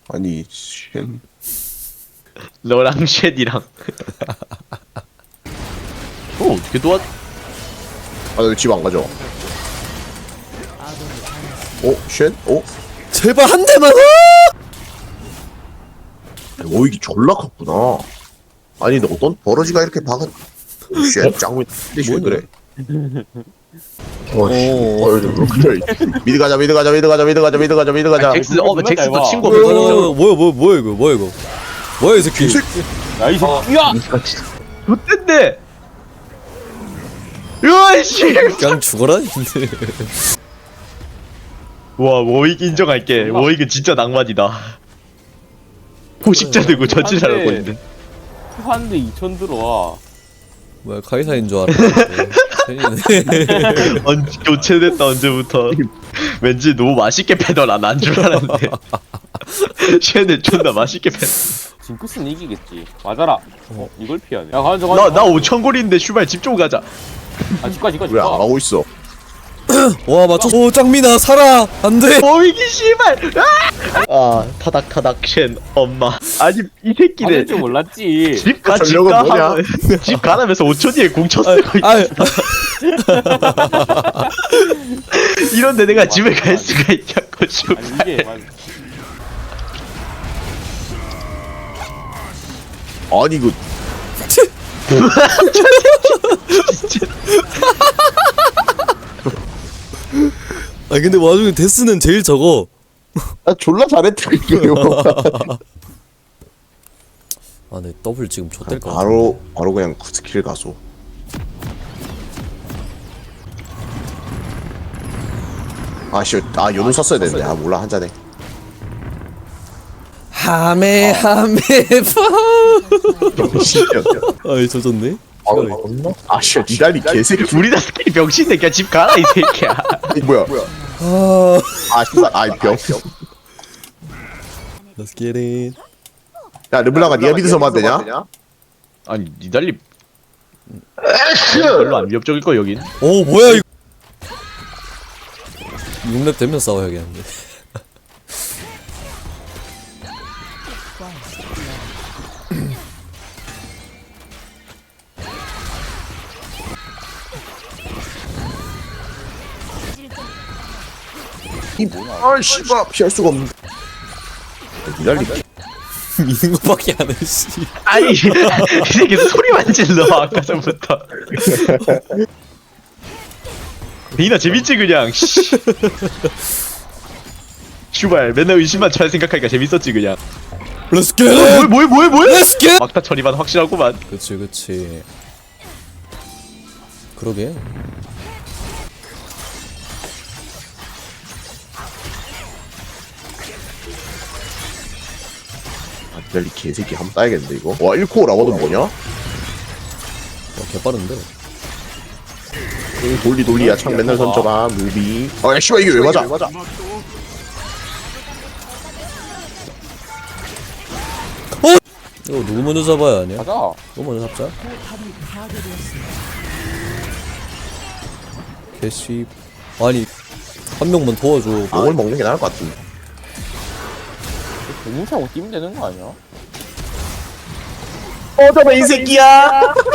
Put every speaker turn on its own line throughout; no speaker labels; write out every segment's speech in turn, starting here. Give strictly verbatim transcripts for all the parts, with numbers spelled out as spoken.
아니 쉔
너랑 쉣이랑. 어 어떻게 도와?
아너 집 안 가져. 어? 쉔? 어?
제발 한 대만.
오 이게 졸라 컸구나. 아니 너 어떤 버러지가 이렇게 박은 쉔 짱구 쉔 그래. 어씨 어 그래. 미드 가자 미드 가자 미드 가자 미드 가자 미드 가자 미드 가자.
잭스 어 잭스 너 친구
뭐야
없어.
뭐야 뭐야 뭐야 이거 뭐야 이거 뭐야 이 새끼.
야이 새끼야.
못된대. 으아씨.
그냥 죽어라.
와 워익 인정할게. 워익은 진짜 낭만이다. 포식자 들고 전진하라고 있는데.
한대 이천 들어와.
뭐야 카이사인 줄 알았는데.
언 교체됐다 언제부터. 왠지 너무 맛있게 패더라 난 줄 알았는데. 쟤네 존나 맛있게 패.
징크스는 이기겠지. 맞아라. 어 이걸 피하네. 야 가자 가자.
나나 오천 골인데 슈발 집 좀 가자.
아 집가 집가
왜 안
집가.
가고 있어?
와 맞춰. 오 짱민아 살아 안돼.
워익이 씨발. 아! 아 타닥 타닥 쉔 엄마. 아니 이 새끼네.
할줄 몰랐지.
집가
전력은
집가
뭐냐?
하면- 집 가라면서 오 초 뒤에 공쳐 쓰고 있어.
아
이런데 내가 집에 갈 수가 있냐고 슈발.
아니 이게 맞.
아니 이거
아 근데 와중에 데스는 제일 적어.
나 졸라 잘했다 이거.
아네 더블 지금 좆될 것 같아.
바로 바로 그냥 스킬 가소. 아씨 아 연우 썼어야 되는데 아 몰라 한 잔에.
하메 하메 파. 아이 조졌네.
아씨 니달리 개새끼.
우리 다 스킬이 병신데 그냥 집 가라 이 새끼야.
이 뭐야?
아
아 씨발 아이 병.
Let's get it.
야 르블랑아 니가 믿어서 만 되냐?
아니 니달리 별로 안 위협적일 거 여긴.
오 뭐야 이거. 육 렙 되면 싸워야겠는데.
아 씨발 피할 수가 없네. 니달리
미는 것밖에 안 해. 씨.
아니 이 새끼 소리만 질러 아까 전부터. 니나 재밌지 그냥. 씨. 슈발 맨날 의심만 잘 생각하니까 재밌었지 그냥.
Let's get it.
뭐야 뭐야 뭐야?
Let's get.
막타 처리만 확실하구만.
그치 그치. 그러게.
아 니달리 개새끼 한번 따야겠는데 이거. 와 일 코어 라거든 뭐냐?
와 개빠른데.
응, 돌리 돌리야 창 맨날 던져봐 무비. 아야 씨발 이게 왜 맞아?
이거 누구 먼저 잡아야 하냐?
가자.
누구 먼저 잡자. 개씨. 아니 한 명만 도와줘.
목을 먹는 게 나을 것 같은데.
공차고 뛰면 되는 거 아니야?
어 잠깐 이 새끼야.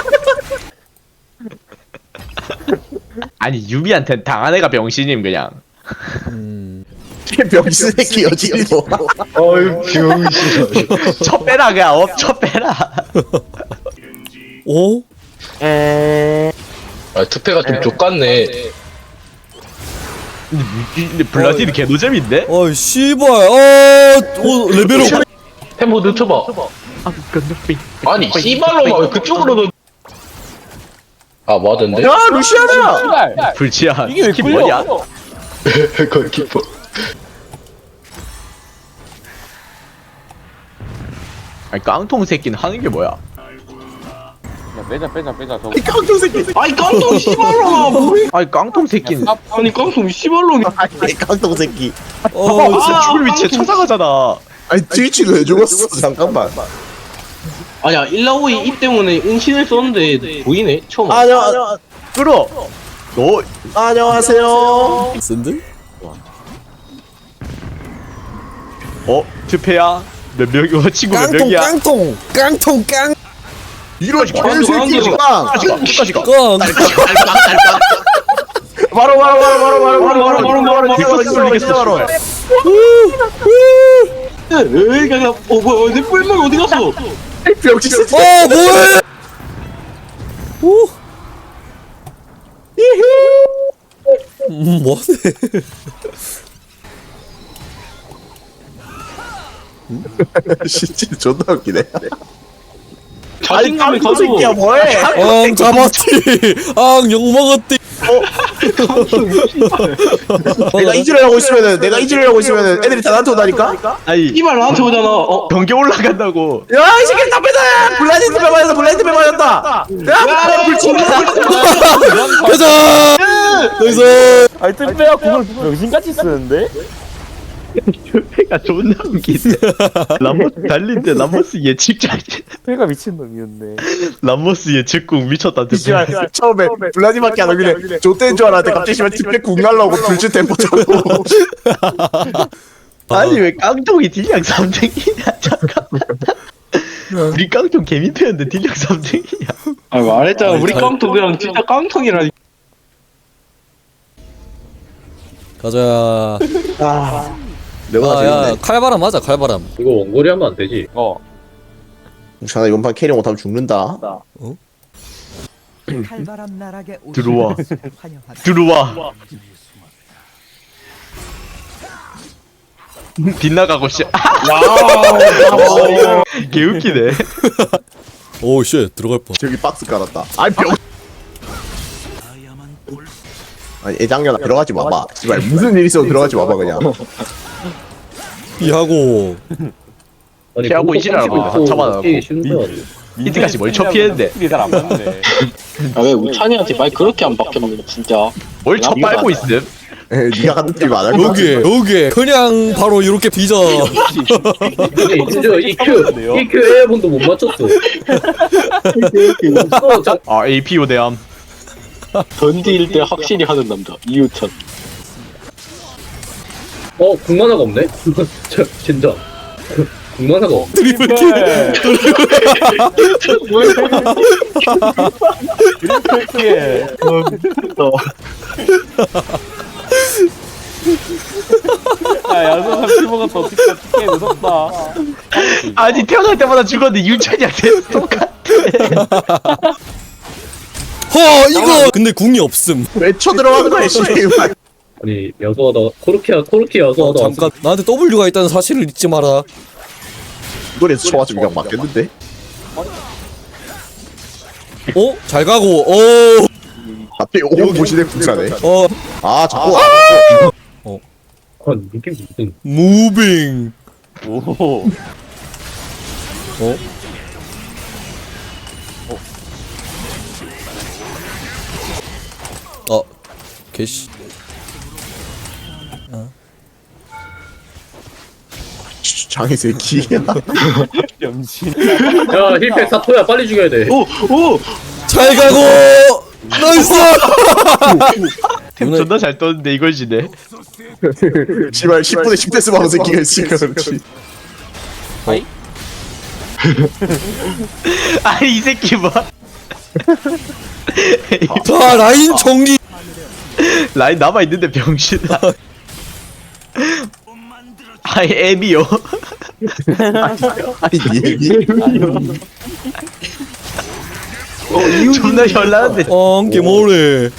아니 유미한테 당한 애가 병신임 그냥.
음.
병신 새끼 여진이 뭐.
어휴 병신. 첫 빼라 그냥 업첫 빼라.
오?
아 투패가 좀 족같네.
근데 블라디는 개노잼인데?
어이 씨발. 어, 오 레벨업.
템포 늦춰봐.
아 건너빙.
아니 씨발로만 왜 그쪽으로 넣... 아 맞은데?
야 루시아나.
씨발.
불치야.
이게 왜
스킨
끌려?
뭐냐?
골키퍼.
아니 깡통 새끼는 하는 게 뭐야?
야 빼자 빼자 빼자 저거.
이 깡통 새끼.
아니 깡통 씨발로만 뭐해?
아니 깡통 새끼는.
야,
아니 깡통 씨발로만.
아니 깡통 새끼.
어,
진짜 죽을 위치에 찾아가잖아.
아니 트위치도 왜 죽었어? 잠깐만.
아니야 일라오이 이 때문에 은신을 썼는데 보이네 처음.
안녕
끌어. 너
안녕하세요.
쓴들?
어 투패야 몇 명이 어 친구 몇
깡통
명이야?
깡통 깡통 깡
이런
깡통,
개새끼가
끝까지 가 끝까지 가.
깡.
바로 바로 바로 바로 바로 바로 바로 바로 바로
이겼어 이겼어.
에이 그냥 어 뭐야 내 뿔망이 어디 갔어?
병신 새끼.
어 뭐해? 오. 음 뭐하네?
진짜 존나 웃기네.
자신감이
깡통 새끼야
가지고
뭐해?
앙 잡았지. 앙욕 먹었지.
내가 이질을 하고 있으면은 내가 이질을 하고 있으면은 애들이 다 나한테 오다니까.
아니
이발 나한테 오잖아. 어
경기 올라간다고.
야이 새끼 담배다. 블라인드 배 맞았다. 블라인드 배 맞았다. 야 불친.
가자. 나이스.
아니 뜰빼야 그걸 병신같이 쓰는데?
투패가 존나 웃기네. 람모스 달릴 때 람모스 예측자.
뜰빼가 미친놈이었네.
람모스 예측궁 미쳤다 투패.
씨발 처음에 블라디밖에 안 오길래 좆된 줄 알았는데 갑자기 씨발 집에 궁 날라오고 불주 템포 잡고.
아니 왜 깡통이 딜량 삼 등이냐 잠깐만. 우리 깡통 개민폐였는데 딜량 삼 등이냐.
아 말했잖아 우리
잘-
깡통 그냥 진짜 깡통이라.
가자.
내가
아야
재밌네.
칼바람 맞아 칼바람.
이거 원거리 하면 안 되지.
어.
자나 이번 판 캐리 못하면 죽는다.
칼바람 나락에 오신
들어와.
것을 환영합니다.
들어와. 빗나가고 씨. 개웃기네.
오쉣 들어갈 뻔.
저기 박스 깔았다. 아니 병. 아니 애장년아 들어가지 마봐. 씨발 무슨 일 있어도 들어가지 마봐 그냥.
피하고.
아니,
피하고
공격
이지랄 하고
삼십
잡아놔갖고.
게임 쉬운 거야.
이때까지 뭘 척피했는데.
스킬이 잘안 맞네.
아왜 우찬이한테 말 그렇게 안 박혔네 진짜.
뭘 첫 빨고 있음?
에, 네가 같은 팀 안할 거야.
여기 여기 그냥 바로 이렇게 빚어.
근데 진짜 이큐 이큐 에어본도 못 맞췄어. 어, 자,
아 에이피오 대함.
던디일 때 확실히 하는 남자 이우찬.
어 국만화가 없네. 저 진짜 국만화가 없.
드리블 킬.
그렇게. 야 야수삼 피부가 더 어떻게 어떻게 무섭다.
아니 태어날 때마다 죽었는데 윤찬이한테 똑같아.
허 이거 근데 궁이 없음.
왜 쳐들어가는 거야 씨발.
아니 여수하다 코르키야 코르키
어,
여수하다.
잠깐 나한테 W가 있다는 사실을 잊지 마라.
이거에서 쳐가지고 그냥 맞겠는데.
어? 잘 가고. 어.
앞에 오 보시네 국사네.
어.
아 자꾸.
아 이게 무슨
무빙.
오.
어? 어. 개씨.
장애 새끼.
병신.
야 힐팩 사토야 빨리 죽여야 돼.
오오
잘 가고. 나이스.
템 존나 잘 떴는데 이걸 지네.
씨발 십 분에 십 대 쓰면 새끼가 있으니까 그렇지.
아니 이 새끼 뭐.
자 라인 정리.
라인 남아 있는데 병신아. 아이 애미요.
아니 니 얘기.
존나 현란한데.
어, 게 뭐래.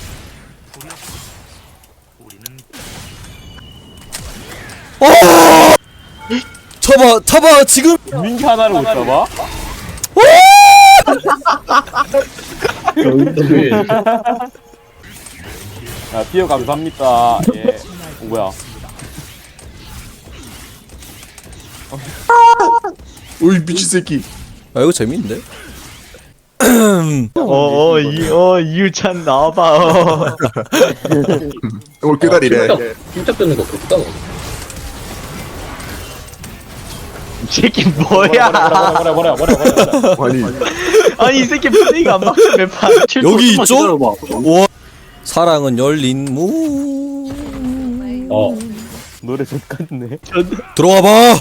어! 쳐봐, 쳐봐, 지금.
민기 하나를 못 잡아? 야 피어 감사합니다. 예. 오, 뭐야?
오이 미친 새끼.
아, 이거 재밌는데?
어어 이어 이유찬 나와봐. 어.
오 그다리래.
침착되는 거 좋다.
이 새끼 뭐야?
뭐라 뭐라 뭐라 뭐라 뭐라.
아니
아니 이 새끼 플레이가 안 막혀 매판.
여기 있죠? 와. 사랑은 열린 문.
어
노래 좋겠네.
들어와봐.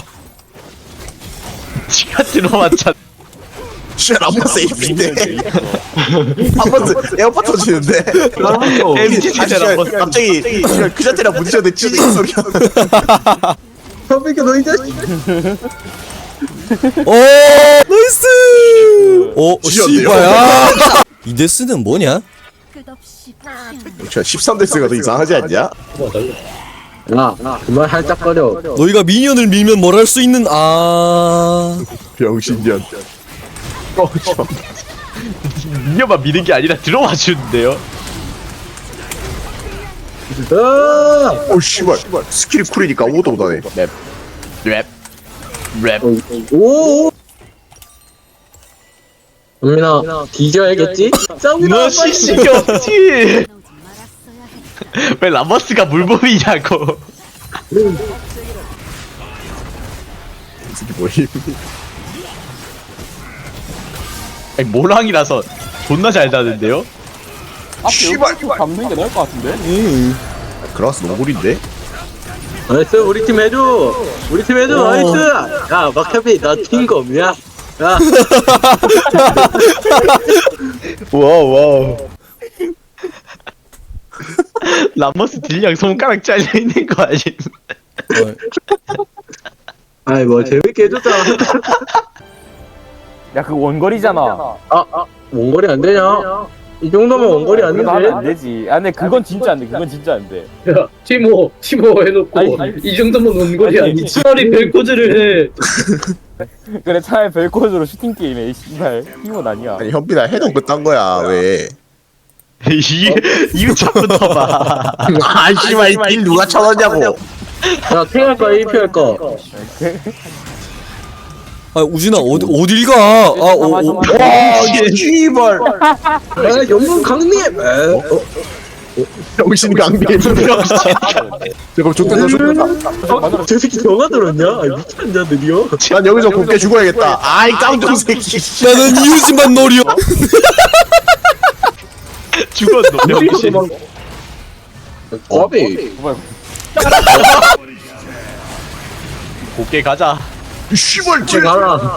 지가 들어왔잖아.
쉣 람버스 에이피인데 람버스 에어팟 터지는데
엠지 세대 람버스.
갑자기 그 자체랑 부딪혔는데 찌직 소리가
선배가 너희 자식.
오 나이스. 오
지렸네요.
씨바야. 이 데스는 뭐냐?
끝없이
십삼 대스가 더 이상하지 않냐?
야, 그만 할짝거려.
너희가 미니언을 밀면 뭘 할 수 있는 아
병신년 어, 저.
미녀만 미는 게 아니라 들어와 주는데요.
아!
오 씨발 스킬이 쿨이니까 아무것도 못하네
랩. 랩.
오! 은민아, 뒤져야겠지?
너 시식이 없지.
나오지 말았어야 해.
왜 라머스가 물범이냐고.
이게 뭐임
아니 모랑이라서 존나 잘 다는데요.
앞에
씨발.
여기 잡는 게 나을 것 같은데?
그라스 노골인데?
나이스, 우리 팀 해줘! 우리 팀 해줘, 나이스! 야, 막혀비, 나 팀검이야. 야,
와우 와우. 라머스 딜량 손가락 잘려 있는 거 아님?
아이, 뭐, 재밌게 해줬잖아.
야, 그 원거리잖아.
아, 아, 원거리 안 되냐? 이 정도면 원거리 안
그래도 하면 안
되지?
되지. 아, 근데 그건 진짜 안 돼. 그건 진짜 안 돼.
야, 티모, 티모 해놓고,
아니, 아니.
이 정도면 원거리
아니,
아니지. 차라리 벨코즈를 해.
그래, 차라리 벨코즈로 슈팅 게임에, 씨발. 힘은 아니야.
아니 현빈아 해도 그딴 거야 왜
이 이거 자꾸 넣어봐.
아 씨발 이딜 누가 쳐넣냐고
야, 탱할까, 에이피 할까?
아 우진아 어디 어딜 가? 아 오, 오.
와 씨발
아, 연분 강림! 에, 어,
병신 강림 저거 좋겠다 좋겠다
어? 저 새끼 영화 들었냐? 아, 미쳤냐, 드디어?
난 여기서 곱게 죽어야겠다 아이 깡통 새끼
나는 이웃집만 노려.
죽었노 병신.
과비.
곱게 가자.
씨발 쟤
가라.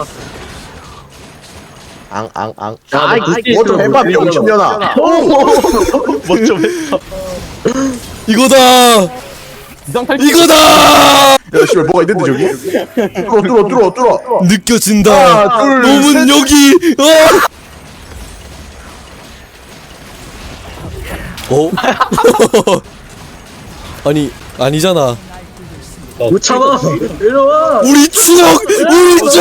앙앙앙
야,
아이
너 그때
뭐좀 해봐
있으면
병신년아
뭐 좀 했어.
이거다. 이거다.
야 씨발 뭐가 있는데 저기 뚫어 뚫어 뚫어 뚫어
느껴진다.
하나, 둘,
놈은
셋.
여기. 어? 어? 아니 아니잖아.
못 참아! 이리와!
우리 추억, 우리 죄.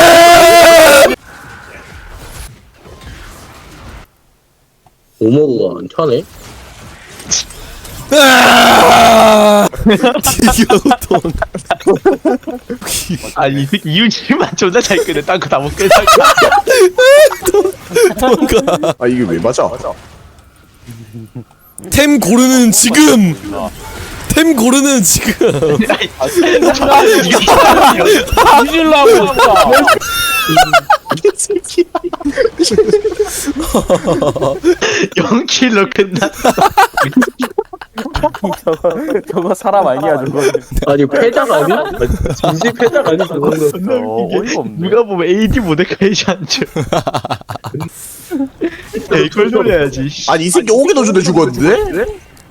오모가 안 차네?
아! 디교통.
아니 이 새끼 이웃집만 존나 잘 끄네. 딴 거 다 못 끄네.
뭔가
아 이게 왜 맞아
템 고르는 지금. 템 고르는 지금.
아, 뒤질라고, 진짜.
영 킬로 끝나.
저거, 저거 사람 아니야, 저거.
아니, 패작 아니야? 진심 패작 아니야, 저 정도.
어, 어이가 없네.
누가 보면 에이디 모데카이지 않죠. 이걸 노려야지.
아니 이 새끼 오게 넣어준데 죽었는데?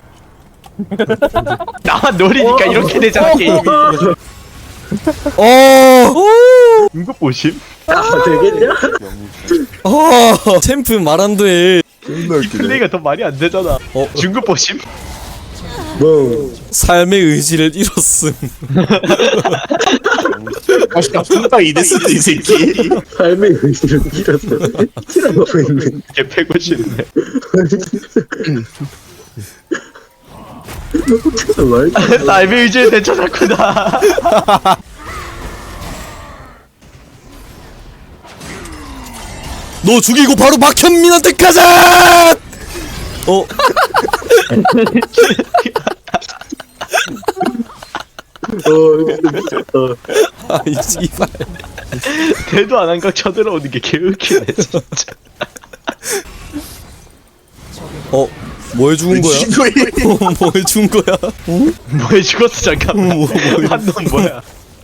나만 노리니까 이렇게 되잖아 게임이.
어.
이거 보심?
야, 되겠냐?
어. 챔프 말 안 돼.
존나 웃기네
플레이가 더 말이 안 되잖아.
어.
중급 보심?
뭐.
삶의 의지를 잃었음.
아 진짜 존나 이데스트 이 새끼
삶의 의지를 잃었어. 티라고 있네.
걔 패고 싶네.
말도 안 돼.
삶의 의지에 대처했구나.
너 죽이고 바로 박현민한테 가자. 어.
어, 이거 미쳤다.
아이 씨발.
대도 안 한 각 쳐들어오는 게 개웃기네 진짜.
어. 뭐해 죽은 거야? 뭐해 죽은 거야?
뭐해 죽었어 잠깐만.
뭐, 뭐,
한놈 뭐야?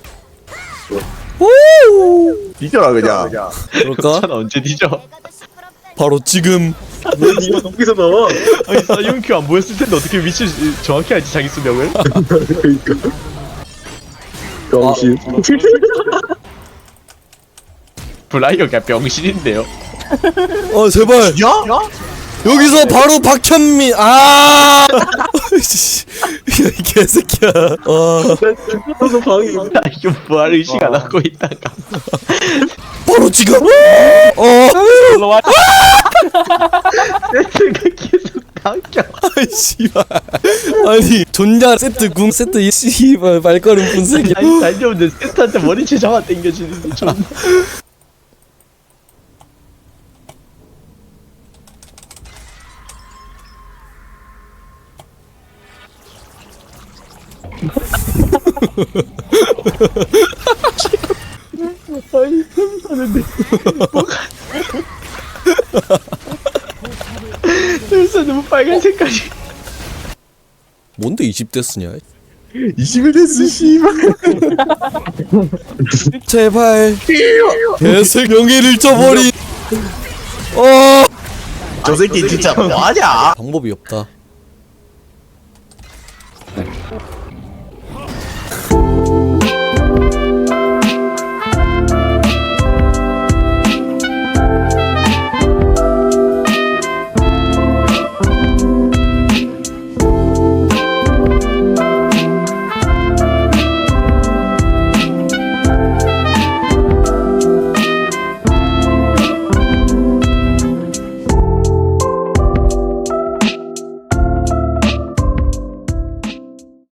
뒤져라 그냥.
그럴까?
난 언제 뒤져?
바로 지금.
왜 니가 거기서 나와?
아니 사이온큐 안 보였을 텐데 어떻게 위치 정확히 알지 자기 수명을?
그니까 병신
브라이어가 병신인데요.
어 제발.
야?
여기서 바로 박현민. 아. 씨. 야, 이 개새끼야. 아.
죽어서 방이
나 이거 뭐할 의식 안 하고 있다가
바로 지금. 어.
올라와.
세트가 계속 바뀌어.
아이 씨발. 아니 존냐 세트 궁 세트 이 씨발 발걸음 분석이.
아니 달려오는데 세트한테 머리채 잡아 당겨주는데 존나. 아니 흠사는데 뭐가 흠사 너무 빨간 색깔이.
뭔데 이십 대 쓰냐?
이십일 됐어 씨발.
제발. 개새 명예를 잃어버린. 어.
저 새끼 진짜 뭐하냐?
방법이 없다.